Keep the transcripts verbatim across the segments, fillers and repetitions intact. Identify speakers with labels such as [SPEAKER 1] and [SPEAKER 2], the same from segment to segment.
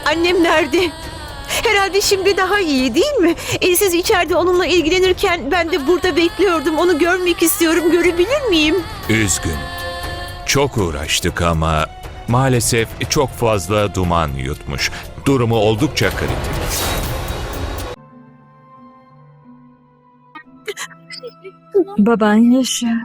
[SPEAKER 1] Annem nerede? Herhalde şimdi daha iyi değil mi? E, siz içeride onunla ilgilenirken ben de burada bekliyordum. Onu görmek istiyorum. Görebilir miyim?
[SPEAKER 2] Üzgün. Çok uğraştık ama maalesef çok fazla duman yutmuş. Durumu oldukça kritik.
[SPEAKER 3] Baban yaşa.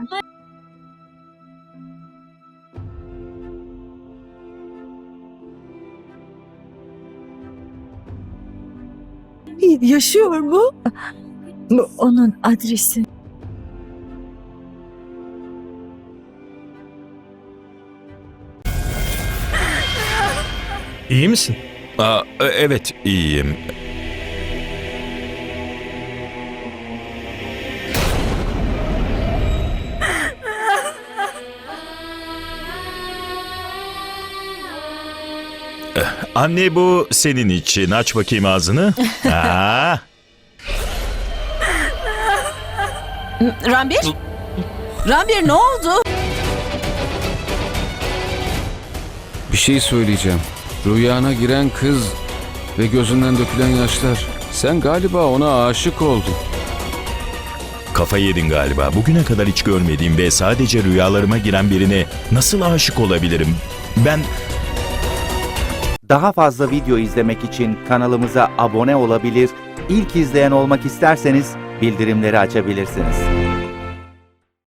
[SPEAKER 1] Yaşıyor mu?
[SPEAKER 3] Bu onun adresi.
[SPEAKER 4] İyi misin?
[SPEAKER 2] Aa, evet, iyiyim. Anne, bu senin için. Aç bakayım ağzını. Aa.
[SPEAKER 5] Ranbir? Ranbir ne oldu?
[SPEAKER 6] Bir şey söyleyeceğim. Rüyana giren kız ve gözünden dökülen yaşlar. Sen galiba ona aşık oldun.
[SPEAKER 2] Kafayı yedin galiba. Bugüne kadar hiç görmediğim ve sadece rüyalarıma giren birine nasıl aşık olabilirim? Ben...
[SPEAKER 7] Daha fazla video izlemek için kanalımıza abone olabilir, ilk izleyen olmak isterseniz bildirimleri açabilirsiniz.